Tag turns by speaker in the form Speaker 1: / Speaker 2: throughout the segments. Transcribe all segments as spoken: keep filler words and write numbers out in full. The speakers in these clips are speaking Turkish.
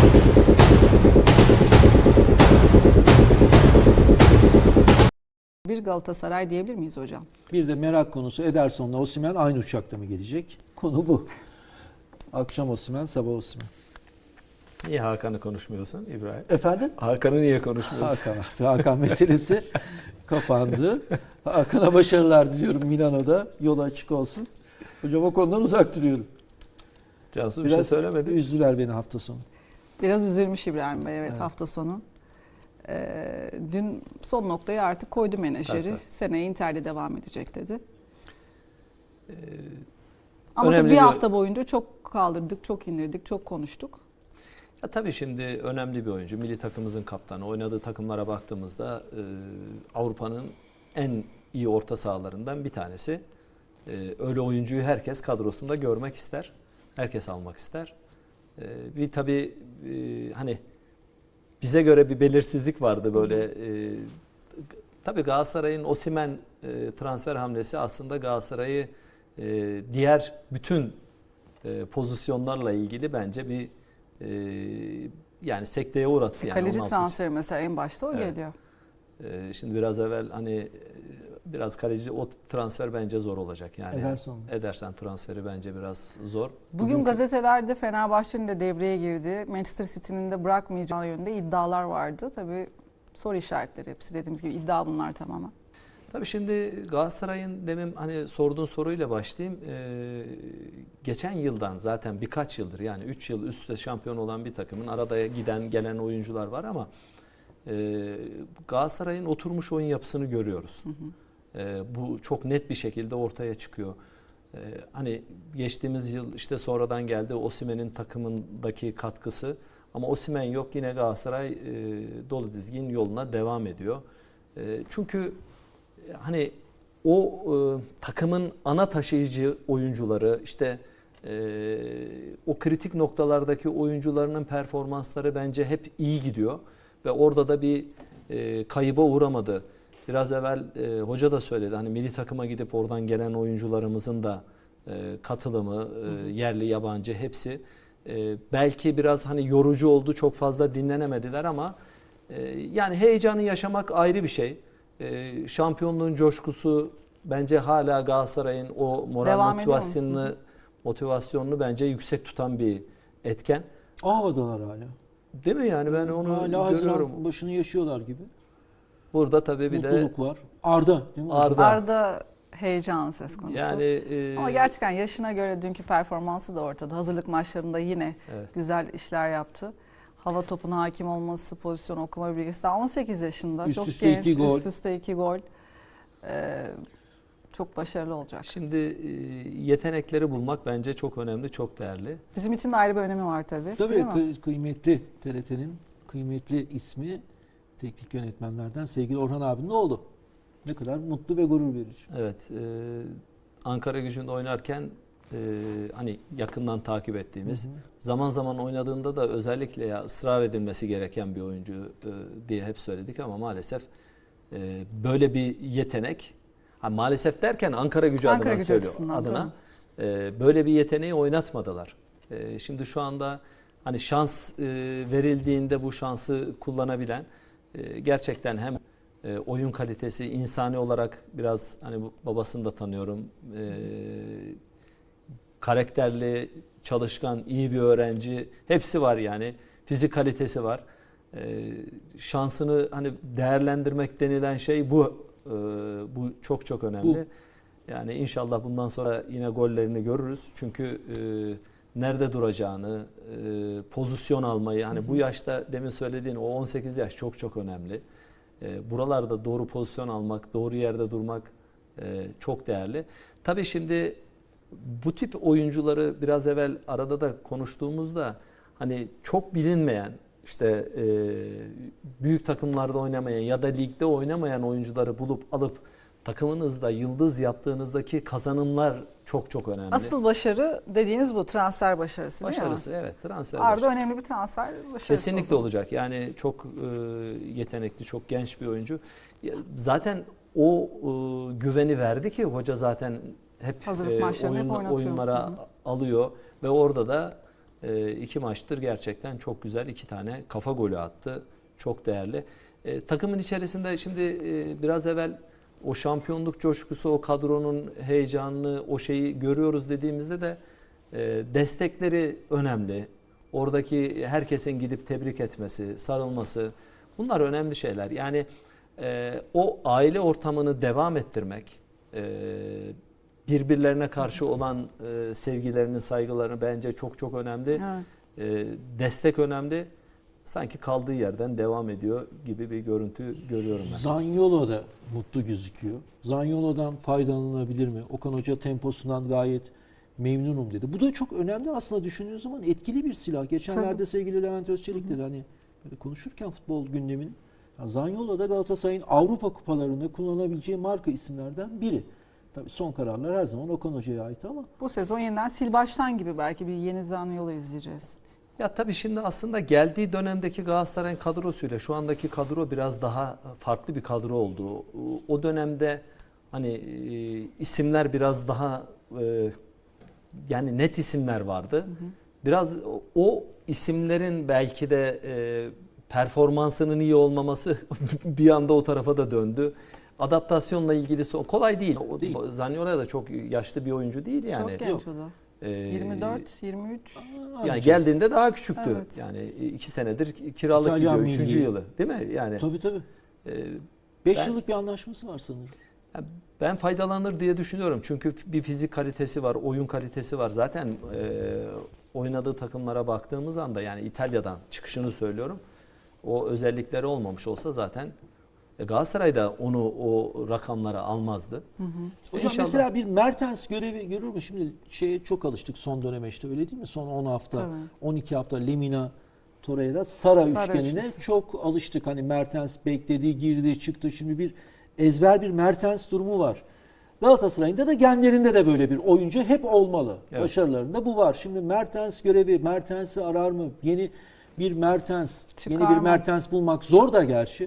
Speaker 1: Bir Galatasaray diyebilir miyiz hocam?
Speaker 2: Bir de merak konusu, Ederson'la Osimhen aynı uçakta mı gelecek? Konu bu. Akşam Osimhen, sabah Osimhen.
Speaker 3: Niye Hakan'ı konuşmuyorsun İbrahim?
Speaker 2: Efendim?
Speaker 3: Hakan'ı niye konuşmuyorsun?
Speaker 2: Hakan, Hakan meselesi kapandı. Hakan'a başarılar diliyorum Milano'da. Yolu açık olsun. Hocam o konudan uzak duruyorum.
Speaker 3: Cansu bir
Speaker 2: Biraz
Speaker 3: şey söylemedi.
Speaker 2: üzdüler beni hafta sonu.
Speaker 1: Biraz üzülmüş İbrahim Bey, evet,
Speaker 2: Evet.
Speaker 1: hafta sonu. Ee, dün son noktayı artık koydu menajeri.
Speaker 3: Evet, evet.
Speaker 1: Seneye Inter'de devam edecek dedi.
Speaker 3: Ee,
Speaker 1: Ama tabii
Speaker 3: önemli
Speaker 1: bir
Speaker 3: bir-
Speaker 1: hafta boyunca çok kaldırdık, çok indirdik, çok konuştuk.
Speaker 3: Ya tabii şimdi önemli bir oyuncu. Milli takımımızın kaptanı. Oynadığı takımlara baktığımızda e, Avrupa'nın en iyi orta sahalarından bir tanesi. E, öyle oyuncuyu herkes kadrosunda görmek ister. Herkes almak ister. E, bir tabii e, hani bize göre bir belirsizlik vardı böyle. E, tabii Galatasaray'ın Osimhen e, transfer hamlesi aslında Galatasaray'ı e, diğer bütün e, pozisyonlarla ilgili bence bir Ee, yani sekteye uğrattı. Yani
Speaker 1: Kaleci
Speaker 3: on altı
Speaker 1: transferi mesela en başta o
Speaker 3: Evet.
Speaker 1: geliyor.
Speaker 3: Ee, şimdi biraz evvel hani e, biraz kaleci o transfer bence zor olacak yani.
Speaker 2: Ederson.
Speaker 3: Ederson transferi bence biraz zor.
Speaker 1: Bugün
Speaker 3: Bugünkü-
Speaker 1: gazetelerde Fenerbahçe'nin de devreye girdi. Manchester City'nin de bırakmayacağı yönünde iddialar vardı. Tabii soru işaretleri hepsi, dediğimiz gibi iddia bunlar tamamen.
Speaker 3: Tabii şimdi Galatasaray'ın demin hani sorduğun soruyla başlayayım. Ee, geçen yıldan zaten birkaç yıldır yani üç yıl üst üste şampiyon olan bir takımın arada giden gelen oyuncular var ama e, Galatasaray'ın oturmuş oyun yapısını görüyoruz.
Speaker 1: Hı hı.
Speaker 3: E, bu çok net bir şekilde ortaya çıkıyor. E, hani geçtiğimiz yıl işte sonradan geldi Osimhen'in takımındaki katkısı ama Osimhen yok, yine Galatasaray e, dolu dizgin yoluna devam ediyor. E, çünkü hani o e, takımın ana taşıyıcı oyuncuları işte e, o kritik noktalardaki oyuncularının performansları bence hep iyi gidiyor ve orada da bir e, kayıba uğramadı. Biraz evvel e, hoca da söyledi hani milli takıma gidip oradan gelen oyuncularımızın da e, katılımı e, yerli yabancı hepsi e, belki biraz hani yorucu oldu, çok fazla dinlenemediler ama e, yani heyecanı yaşamak ayrı bir şey. Ee, şampiyonluğun coşkusu bence hala Galatasaray'ın o moral
Speaker 1: Devam
Speaker 3: motivasyonunu motivasyonunu bence yüksek tutan bir etken.
Speaker 2: O havadalar hala.
Speaker 3: Değil mi yani, ben onu
Speaker 2: hala
Speaker 3: görüyorum.
Speaker 2: Haziran başını yaşıyorlar gibi.
Speaker 3: Burada tabii bir de
Speaker 2: Mutluluk var. Arda değil mi?
Speaker 3: Arda.
Speaker 1: Arda heyecan söz konusu.
Speaker 3: yani e,
Speaker 1: Ama gerçekten yaşına göre dünkü performansı da ortada. Hazırlık maçlarında yine
Speaker 3: evet.
Speaker 1: güzel işler yaptı. Hava topuna hakim olması, pozisyon okuma bilgisi. Daha on sekiz yaşında.
Speaker 2: Üst
Speaker 1: çok
Speaker 2: üste
Speaker 1: genç.
Speaker 2: iki gol.
Speaker 1: Üst üste iki gol. Ee, çok başarılı olacak.
Speaker 3: Şimdi e, yetenekleri bulmak bence çok önemli, çok değerli.
Speaker 1: Bizim için de ayrı bir önemi var tabii.
Speaker 2: Tabii
Speaker 1: değil mi?
Speaker 2: kı- kıymetli T R T'nin kıymetli ismi teknik yönetmenlerden sevgili Orhan abinin oğlu. Ne kadar mutlu ve gurur verici.
Speaker 3: Evet, e, Ankara Gücü'nde oynarken e, hani yakından takip ettiğimiz,
Speaker 2: Hı hı.
Speaker 3: zaman zaman oynadığında da özellikle ya ısrar edilmesi gereken bir oyuncu e, diye hep söyledik ama maalesef e, böyle bir yetenek, ha, maalesef derken Ankara Gücü
Speaker 1: Ankara
Speaker 3: adına
Speaker 1: Gücü
Speaker 3: söylüyor,
Speaker 1: açısından,
Speaker 3: adına e, böyle bir yeteneği oynatmadılar. E, şimdi şu anda hani şans e, verildiğinde bu şansı kullanabilen e, gerçekten hem E, oyun kalitesi, insani olarak biraz hani bu- babasını da tanıyorum. E, karakterli, çalışkan, iyi bir öğrenci. Hepsi var yani. Fizik kalitesi var. E, şansını hani değerlendirmek denilen şey bu. E, bu çok çok önemli.
Speaker 2: Bu.
Speaker 3: Yani inşallah bundan sonra yine gollerini görürüz. Çünkü e, nerede duracağını, e, pozisyon almayı, hani bu yaşta demin söylediğin o on sekiz yaş çok çok önemli. E, buralarda doğru pozisyon almak, doğru yerde durmak e, çok değerli. Tabii şimdi bu tip oyuncuları biraz evvel arada da konuştuğumuzda hani çok bilinmeyen, işte e, büyük takımlarda oynamayan ya da ligde oynamayan oyuncuları bulup alıp takımınızda yıldız yaptığınızdaki kazanımlar çok çok önemli.
Speaker 1: Asıl başarı dediğiniz bu transfer başarısı,
Speaker 3: başarısı,
Speaker 1: değil mi?
Speaker 3: evet, transfer
Speaker 1: Arda
Speaker 3: başarısı.
Speaker 1: önemli bir transfer başarısı.
Speaker 3: Kesinlikle
Speaker 1: o zaman.
Speaker 3: olacak. Yani çok e, yetenekli, çok genç bir oyuncu. Ya, zaten o e, güveni verdi ki hoca zaten hep
Speaker 1: Hazırlık
Speaker 3: e,
Speaker 1: maçlarını hep
Speaker 3: oyun,
Speaker 1: oynatıyor.
Speaker 3: oyunlara
Speaker 1: Hı hı.
Speaker 3: alıyor ve orada da E, iki maçtır gerçekten çok güzel iki tane kafa golü attı. Çok değerli. E, takımın içerisinde şimdi e, biraz evvel o şampiyonluk coşkusu, o kadronun heyecanını, o şeyi görüyoruz dediğimizde de e, destekleri önemli. Oradaki herkesin gidip tebrik etmesi, sarılması, bunlar önemli şeyler. Yani e, o aile ortamını devam ettirmek, e, birbirlerine karşı olan e, sevgilerini, saygılarını bence çok çok önemli.
Speaker 1: Evet.
Speaker 3: E, destek önemli. Sanki kaldığı yerden devam ediyor gibi bir görüntü görüyorum ben.
Speaker 2: Zaniolo da mutlu gözüküyor. Zaniolo'dan faydalanılabilir mi? Okan Hoca temposundan gayet memnunum dedi. Bu da çok önemli aslında düşündüğünüz zaman, etkili bir silah. Geçenlerde
Speaker 1: Tabii.
Speaker 2: sevgili Levent Özçelik dedi, hani böyle konuşurken futbol gündeminin, ya Zaniolo da Galatasaray'ın Avrupa kupalarında kullanabileceği marka isimlerden biri. Tabii son kararlar her zaman Okan Hoca'ya ait ama
Speaker 1: Bu sezon yeniden sil baştan gibi belki bir yeni Zaniolo izleyeceğiz.
Speaker 3: Ya tabii şimdi aslında geldiği dönemdeki Galatasaray'ın kadrosuyla şu andaki kadro biraz daha farklı bir kadro oldu. O dönemde hani e, isimler biraz daha e, yani net isimler vardı. Hı hı. Biraz o, o isimlerin belki de e, performansının iyi olmaması bir anda o tarafa da döndü. Adaptasyonla ilgilisi o kolay değil. O,
Speaker 2: değil.
Speaker 3: Zaniolo da çok yaşlı bir oyuncu değil yani.
Speaker 1: Çok genç o da.
Speaker 3: Ee,
Speaker 1: yirmi dört, yirmi üç.
Speaker 3: Yani
Speaker 2: ancak.
Speaker 3: geldiğinde daha küçüktü.
Speaker 1: Evet.
Speaker 3: Yani iki senedir kiralık
Speaker 2: İtalyan
Speaker 3: gidiyor. Üçüncü
Speaker 2: milli.
Speaker 3: yılı değil mi? Yani
Speaker 2: tabii tabii.
Speaker 3: e,
Speaker 2: beş
Speaker 3: ben-
Speaker 2: yıllık bir anlaşması var sanırım.
Speaker 3: ya ben faydalanır diye düşünüyorum. Çünkü bir fizik kalitesi var, oyun kalitesi var. Zaten e, oynadığı takımlara baktığımız anda yani İtalya'dan çıkışını söylüyorum. O özellikleri olmamış olsa zaten e, Galatasaray'da onu o rakamlara almazdı.
Speaker 1: Hı hı.
Speaker 2: Hocam
Speaker 3: İnşallah.
Speaker 2: mesela bir Mertens görevi görür mü? Şimdi şeye çok alıştık son döneme, işte öyle değil mi? Son on hafta,
Speaker 1: Tabii.
Speaker 2: on iki hafta Lemina, Torreira, Sara,
Speaker 1: Sara
Speaker 2: üçgenine
Speaker 1: üçlüsü.
Speaker 2: çok alıştık. Hani Mertens bekledi, girdi, çıktı. Şimdi bir ezber bir Mertens durumu var. Galatasaray'ın da genlerinde de böyle bir oyuncu hep olmalı.
Speaker 3: Evet.
Speaker 2: Başarılarında bu var. Şimdi Mertens görevi, Mertens'i arar mı? Yeni bir Mertens,
Speaker 1: Çıkar
Speaker 2: yeni bir
Speaker 1: mı?
Speaker 2: Mertens bulmak zor da gerçi.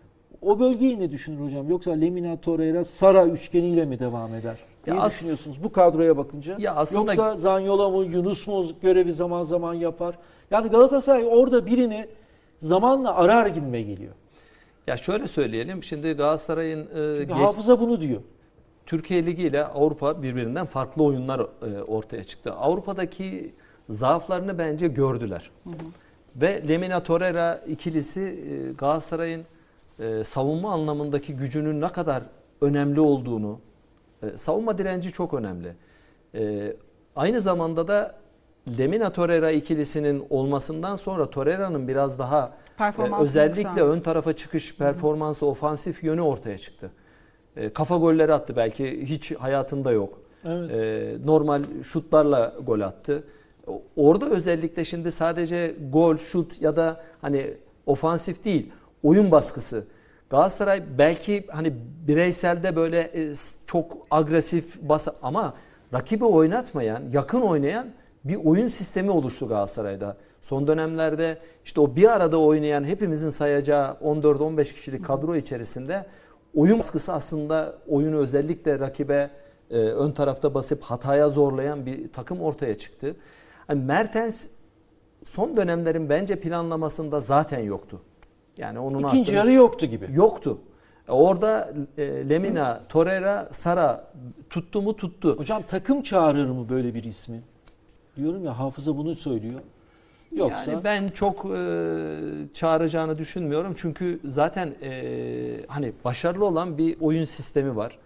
Speaker 2: O bölgeyi ne düşünür hocam? Yoksa Lemina, Torreira, Sara üçgeniyle mi devam eder?
Speaker 3: Ya
Speaker 2: Ne
Speaker 3: as-
Speaker 2: düşünüyorsunuz bu kadroya bakınca?
Speaker 3: Ya aslında-
Speaker 2: Yoksa Zaniolo mu, Yunus mu görevi zaman zaman yapar? Yani Galatasaray orada birini zamanla arar gibime geliyor.
Speaker 3: Ya şöyle söyleyelim. Şimdi Galatasaray'ın e,
Speaker 2: Çünkü
Speaker 3: geç-
Speaker 2: hafıza bunu diyor.
Speaker 3: Türkiye Ligi ile Avrupa birbirinden farklı oyunlar e, ortaya çıktı. Avrupa'daki zaaflarını bence gördüler. Hı hı. Ve Lemina Torreira ikilisi e, Galatasaray'ın e, savunma anlamındaki gücünün ne kadar önemli olduğunu, e, savunma direnci çok önemli. E, aynı zamanda da Lemina Torreira ikilisinin olmasından sonra Torreira'nın biraz daha e,
Speaker 1: Performansını
Speaker 3: özellikle
Speaker 1: yükselmiş.
Speaker 3: ön tarafa çıkış performansı, ofansif yönü ortaya çıktı. E, kafa golleri attı, belki hiç hayatında yok.
Speaker 2: Evet.
Speaker 3: E, normal şutlarla gol attı. O- Orada özellikle şimdi sadece gol, şut ya da hani ofansif değil, oyun baskısı. Galatasaray belki hani bireyselde böyle e, s- çok agresif bas ama rakibi oynatmayan, yakın oynayan bir oyun sistemi oluştu Galatasaray'da. Son dönemlerde işte o bir arada oynayan, hepimizin sayacağı on dört on beş kişilik kadro içerisinde oyun baskısı aslında oyunu özellikle rakibe e, ön tarafta basıp hataya zorlayan bir takım ortaya çıktı. Hani Mertens son dönemlerin bence planlamasında zaten yoktu. Yani onun
Speaker 2: İkinci
Speaker 3: hakkını-
Speaker 2: yarı yoktu gibi.
Speaker 3: yoktu. Orada e, Lemina, Torreira, Sara tuttu mu tuttu.
Speaker 2: Hocam takım çağırır mı böyle bir ismi? Diyorum ya, hafıza bunu söylüyor. Yoksa
Speaker 3: Yani ben çok e, çağıracağını düşünmüyorum. Çünkü zaten e, hani başarılı olan bir oyun sistemi var.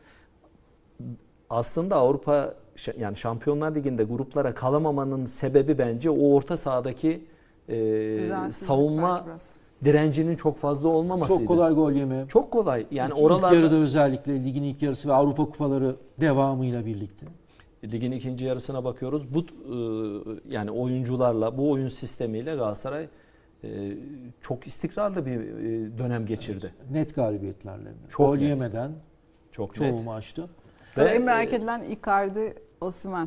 Speaker 3: Aslında Avrupa ş- yani Şampiyonlar Ligi'nde gruplara kalamamanın sebebi bence o orta sahadaki e,
Speaker 1: Düzensizlik
Speaker 3: savunma
Speaker 1: belki biraz.
Speaker 3: direncinin çok fazla olmamasıydı.
Speaker 2: çok kolay gol yeme.
Speaker 3: Çok kolay. Yani
Speaker 2: İlk- İlk
Speaker 3: oralarda
Speaker 2: yarıda özellikle ligin ilk yarısı ve Avrupa kupaları devamıyla birlikte.
Speaker 3: ligin ikinci yarısına bakıyoruz. Bu e, yani oyuncularla, bu oyun sistemiyle Galatasaray e, çok istikrarlı bir e, dönem geçirdi.
Speaker 2: Net galibiyetlerle.
Speaker 3: Çok
Speaker 2: Gol
Speaker 3: net.
Speaker 2: yemeden
Speaker 3: Çok
Speaker 2: çoğu
Speaker 3: net.
Speaker 2: maçta.
Speaker 1: Tabii
Speaker 3: Ve,
Speaker 1: en merak
Speaker 3: e,
Speaker 1: edilen Icardi, Osimhen.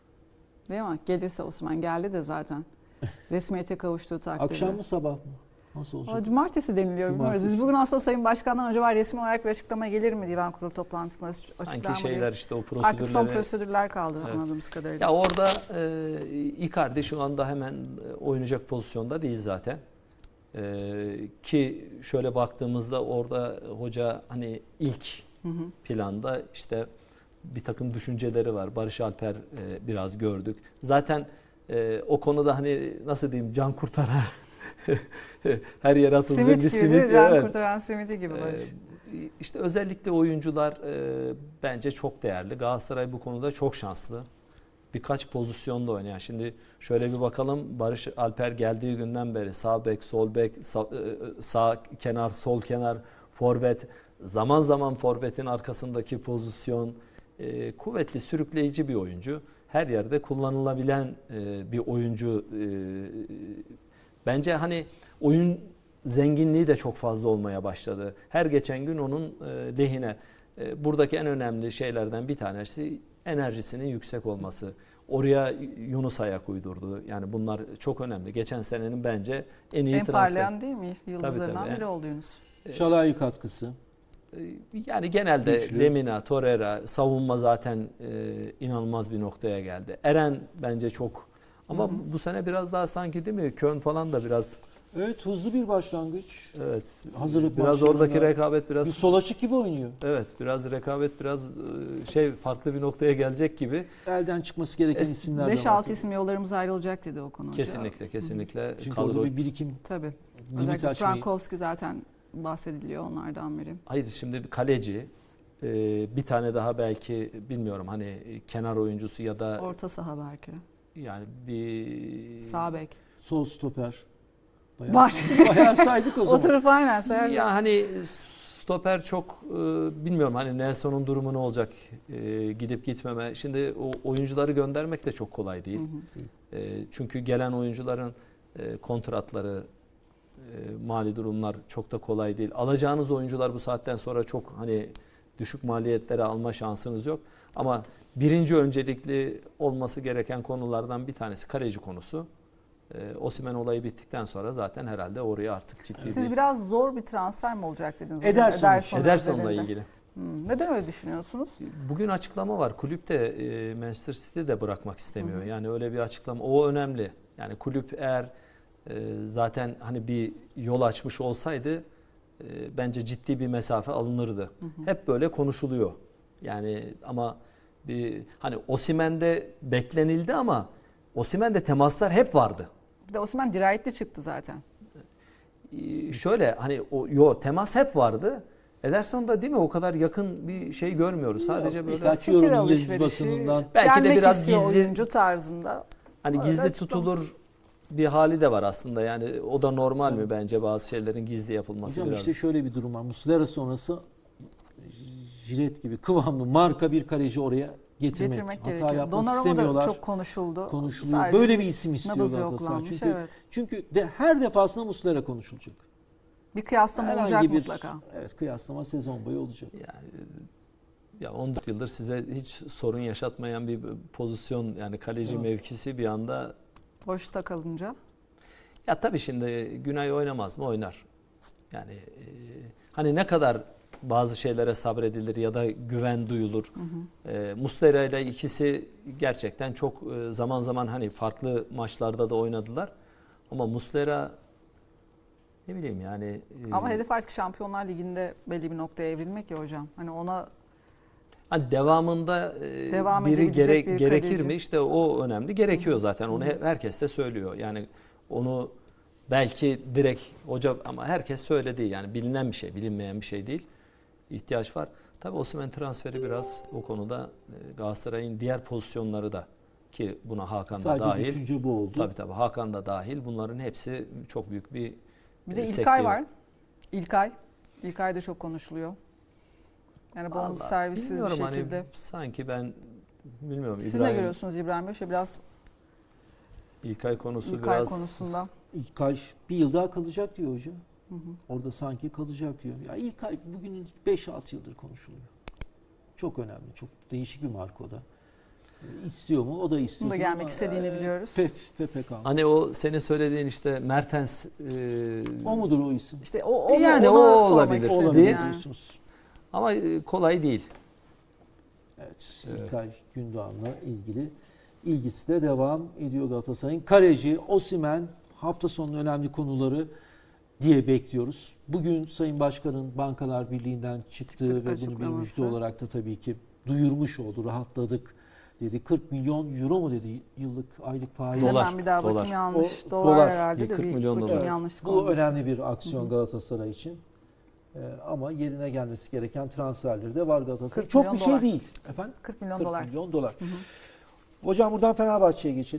Speaker 1: Değil mi? Gelirse Osimhen geldi de zaten. Resmiyete kavuştuğu takdirde.
Speaker 2: Akşam mı sabah mı? Nasıl
Speaker 1: Valla
Speaker 2: olacak?
Speaker 1: cumartesi deniliyor. Bilmiyoruz.
Speaker 2: Cumartesi.
Speaker 1: Biz bugün aslında Sayın Başkan'dan acaba resmi olarak bir açıklama gelir mi divan kurulu toplantısında? Açıklar
Speaker 3: Sanki
Speaker 1: mı
Speaker 3: şeyler
Speaker 1: diye.
Speaker 3: işte o
Speaker 1: Artık son
Speaker 3: prosedürleri.
Speaker 1: prosedürler kaldı
Speaker 3: Evet.
Speaker 1: anladığımız kadarıyla.
Speaker 3: Ya orada e, Icardi şu anda hemen oynayacak pozisyonda değil zaten. E, ki şöyle baktığımızda orada hoca hani ilk
Speaker 1: Hı hı.
Speaker 3: planda işte bir takım düşünceleri var. Barış Alper e, biraz gördük. Zaten e, o konuda hani nasıl diyeyim can kurtaran her yere atılacak
Speaker 1: Simit
Speaker 3: bir
Speaker 1: gibi,
Speaker 3: simit.
Speaker 1: can
Speaker 3: Evet.
Speaker 1: kurtaran simidi gibi
Speaker 3: Ee,
Speaker 1: Barış.
Speaker 3: işte özellikle oyuncular e, bence çok değerli. Galatasaray bu konuda çok şanslı. Birkaç pozisyonda oynayan. Şimdi şöyle bir bakalım. Barış Alper geldiği günden beri sağ bek, sol bek, sağ, e, sağ kenar, sol kenar, forvet, zaman zaman forvetin arkasındaki pozisyon, e, kuvvetli, sürükleyici bir oyuncu. Her yerde kullanılabilen e, bir oyuncu. E, bence hani oyun zenginliği de çok fazla olmaya başladı. Her geçen gün onun e, lehine. E, buradaki en önemli şeylerden bir tanesi enerjisinin yüksek olması. Oraya Yunus ayak uydurdu. Yani bunlar çok önemli. Geçen senenin bence en iyi
Speaker 1: En
Speaker 3: transfer.
Speaker 1: parlayan değil mi? Yıldızlarından
Speaker 3: tabii.
Speaker 1: biri oldu Yunus.
Speaker 2: Şalai katkısı.
Speaker 3: E, Yani genelde
Speaker 2: Güçlü.
Speaker 3: Lemina, Torreira, savunma zaten e, inanılmaz bir noktaya geldi. Eren bence çok ama
Speaker 1: Hı hı.
Speaker 3: bu sene biraz daha sanki değil mi? Köln falan da biraz
Speaker 2: Evet, hızlı bir başlangıç.
Speaker 3: evet.
Speaker 2: Hazırlık
Speaker 3: biraz
Speaker 2: maçlarında
Speaker 3: oradaki rekabet biraz
Speaker 2: bir sol açık gibi oynuyor.
Speaker 3: evet biraz rekabet biraz e, şey farklı bir noktaya gelecek gibi.
Speaker 2: Elden çıkması gereken
Speaker 3: Es-
Speaker 2: isimler de var.
Speaker 1: beş altı isim yollarımız ayrılacak dedi o konu.
Speaker 3: Kesinlikle kesinlikle
Speaker 2: Çünkü
Speaker 3: kadro.
Speaker 2: orada bir birikim
Speaker 1: Tabii.
Speaker 2: limit
Speaker 1: Özellikle
Speaker 2: açmayı.
Speaker 1: Frankowski zaten bahsediliyor onlardan biri.
Speaker 3: Hayır şimdi bir kaleci e, bir tane daha belki bilmiyorum hani kenar oyuncusu ya da
Speaker 1: Orta saha belki.
Speaker 3: yani bir
Speaker 1: Sağ bek.
Speaker 2: Sol stoper. Bayağı,
Speaker 1: Var.
Speaker 2: bayağı saydık o zaman.
Speaker 1: Oturup aynen sayardık.
Speaker 3: ya hani stoper çok e, bilmiyorum hani Nelson'un durumu ne olacak e, gidip gitmeme. Şimdi o oyuncuları göndermek de çok kolay değil.
Speaker 1: Hı hı.
Speaker 3: E, çünkü gelen oyuncuların e, kontratları, e, mali durumlar çok da kolay değil. Alacağınız oyuncular bu saatten sonra çok hani düşük maliyetlere alma şansınız yok. Ama birinci öncelikli olması gereken konulardan bir tanesi kaleci konusu. E, Osimhen olayı bittikten sonra zaten herhalde oraya artık ciddi
Speaker 1: Siz
Speaker 3: bir
Speaker 1: biraz zor bir transfer mi olacak dediniz?
Speaker 2: Ederson.
Speaker 3: Ederson'la
Speaker 1: özelinde.
Speaker 3: ilgili.
Speaker 1: Hmm, neden öyle düşünüyorsunuz?
Speaker 3: Bugün açıklama var. Kulüp de e, Manchester City de bırakmak istemiyor.
Speaker 1: Hı hı.
Speaker 3: Yani öyle bir açıklama. O önemli. Yani kulüp eğer e, zaten hani bir yol açmış olsaydı e, bence ciddi bir mesafe alınırdı.
Speaker 1: Hı hı.
Speaker 3: Hep böyle konuşuluyor. Yani ama bir hani Osimhen'de beklenildi ama Osimhen'de temaslar hep vardı.
Speaker 1: Bir de Osimhen dirayetli çıktı zaten.
Speaker 3: Ee, şöyle hani o yo temas hep vardı. Ederson'da değil mi o kadar yakın bir şey görmüyoruz. Sadece
Speaker 2: Yok,
Speaker 3: böyle
Speaker 2: işte
Speaker 1: Fikir
Speaker 2: açıyorum İngiliz
Speaker 1: alışverişi,
Speaker 2: basınından.
Speaker 3: belki de
Speaker 1: gelmek
Speaker 3: biraz
Speaker 1: istiyor
Speaker 3: gizli
Speaker 1: oyuncu tarzında.
Speaker 3: hani
Speaker 1: Öyle
Speaker 3: gizli
Speaker 1: açıklama.
Speaker 3: tutulur bir hali de var aslında. Yani o da normal mi bence bazı şeylerin gizli yapılması
Speaker 2: Hocam
Speaker 3: biraz.
Speaker 2: işte şöyle bir durum var. Muslera sonrası jilet gibi kıvamlı marka bir kaleci oraya getirmek.
Speaker 1: Getirmek
Speaker 2: Hata
Speaker 1: gerekiyor.
Speaker 2: yapmak
Speaker 1: Donnarumma
Speaker 2: istemiyorlar.
Speaker 1: da çok konuşuldu.
Speaker 2: Konuşuluyor.
Speaker 1: Sadece
Speaker 2: Böyle bir isim istiyor
Speaker 1: nabızı
Speaker 2: Galatasaray.
Speaker 1: yoklanmış,
Speaker 2: Çünkü
Speaker 1: evet.
Speaker 2: çünkü de her defasında Muslera konuşulacak.
Speaker 1: Bir kıyaslama
Speaker 2: Herhangi
Speaker 1: olacak
Speaker 2: bir-
Speaker 1: mutlaka.
Speaker 2: Evet, kıyaslama sezon boyu olacak.
Speaker 3: Yani ya on dört yıldır size hiç sorun yaşatmayan bir pozisyon yani kaleci
Speaker 2: Evet.
Speaker 3: mevkisi bir anda
Speaker 1: Boşta kalınca.
Speaker 3: ya tabii şimdi Günay oynamaz mı? Oynar. Yani e, hani ne kadar bazı şeylere sabredilir ya da güven duyulur.
Speaker 1: Hı hı.
Speaker 3: E, Muslera ile ikisi gerçekten çok e, zaman zaman hani farklı maçlarda da oynadılar. Ama Muslera ne bileyim yani e,
Speaker 1: Ama hedef artık Şampiyonlar Ligi'nde belli bir noktaya evrilmek ya hocam. Hani ona
Speaker 3: hani devamında e,
Speaker 1: Devam
Speaker 3: biri
Speaker 1: edebilecek
Speaker 3: gerek,
Speaker 1: bir
Speaker 3: gerekir
Speaker 1: kaleci.
Speaker 3: mi? İşte o önemli. Gerekiyor zaten. Onu
Speaker 1: Hı hı.
Speaker 3: he- herkes de söylüyor. Yani onu belki direkt hoca ama herkes söyledi yani bilinen bir şey, bilinmeyen bir şey değil. İhtiyaç var. Tabii Osimhen transferi biraz o konuda e, Galatasaray'ın diğer pozisyonları da ki buna Hakan da
Speaker 2: Sadece
Speaker 3: dahil.
Speaker 2: düşünce bu oldu.
Speaker 3: Tabii tabii Hakan da dahil. Bunların hepsi çok büyük bir
Speaker 1: bir de
Speaker 3: e,
Speaker 1: İlkay
Speaker 3: sekteye-
Speaker 1: var. İlkay. İlkay da çok konuşuluyor. Yani bonus
Speaker 3: Vallahi
Speaker 1: servisi bir
Speaker 3: bilmiyorum
Speaker 1: şekilde.
Speaker 3: hani sanki ben bilmiyorum
Speaker 1: Siz ne
Speaker 3: İbrahim
Speaker 1: görüyorsunuz İbrahim Bey? Şöyle biraz
Speaker 3: İlkay konusu
Speaker 1: İlkay
Speaker 3: biraz
Speaker 1: konusunda.
Speaker 2: İlkay bir yıl daha kalacak diyor hocam.
Speaker 1: Hı hı.
Speaker 2: Orada sanki kalacak diyor. Ya İlkay bugün beş altı yıldır konuşuluyor. Çok önemli. Çok değişik bir marka o da. E, istiyor mu? O da istiyor.
Speaker 1: Bunu da gelmek istediğini biliyoruz.
Speaker 2: P P K.
Speaker 3: Hani o senin söylediğin işte Mertens e,
Speaker 2: O mudur o isim?
Speaker 1: İşte o, o
Speaker 3: Yani
Speaker 1: ona
Speaker 3: o
Speaker 1: sormak
Speaker 3: olabilir.
Speaker 1: istedim
Speaker 2: Olabilir
Speaker 1: yani.
Speaker 2: diyorsunuz.
Speaker 3: ama e, kolay değil.
Speaker 2: Evet,
Speaker 3: Evet.
Speaker 2: İlkay Gündoğan'la ilgili ilgisi de devam ediyor Galatasaray'ın. Kaleci, Osimhen hafta sonunun önemli konuları diye bekliyoruz. Bugün Sayın Başkan'ın Bankalar Birliği'nden çıktığı
Speaker 1: Çıktık
Speaker 2: ve bunu bir
Speaker 1: açıklaması.
Speaker 2: müjde olarak da tabii ki duyurmuş oldu. Rahatladık dedi. kırk milyon euro mu dedi yıllık aylık faiz.
Speaker 3: Dolar,
Speaker 1: Hemen bir daha bakayım
Speaker 3: dolar.
Speaker 1: yanlış.
Speaker 2: O,
Speaker 1: dolar,
Speaker 2: dolar.
Speaker 1: herhalde de
Speaker 3: kırk
Speaker 1: bir
Speaker 3: milyon
Speaker 1: bakayım
Speaker 3: dolar.
Speaker 1: yanlışlık
Speaker 2: Bu
Speaker 1: olmasın.
Speaker 2: önemli bir aksiyon
Speaker 1: Hı hı.
Speaker 2: Galatasaray için. Ee, ama yerine gelmesi gereken transferleri de var Galatasaray.
Speaker 1: kırk
Speaker 2: Çok
Speaker 1: milyon
Speaker 2: bir şey
Speaker 1: dolar.
Speaker 2: değil efendim.
Speaker 1: kırk milyon
Speaker 2: kırk
Speaker 1: dolar.
Speaker 2: milyon dolar.
Speaker 1: Hı hı.
Speaker 2: Hocam buradan Fenerbahçe'ye geçelim.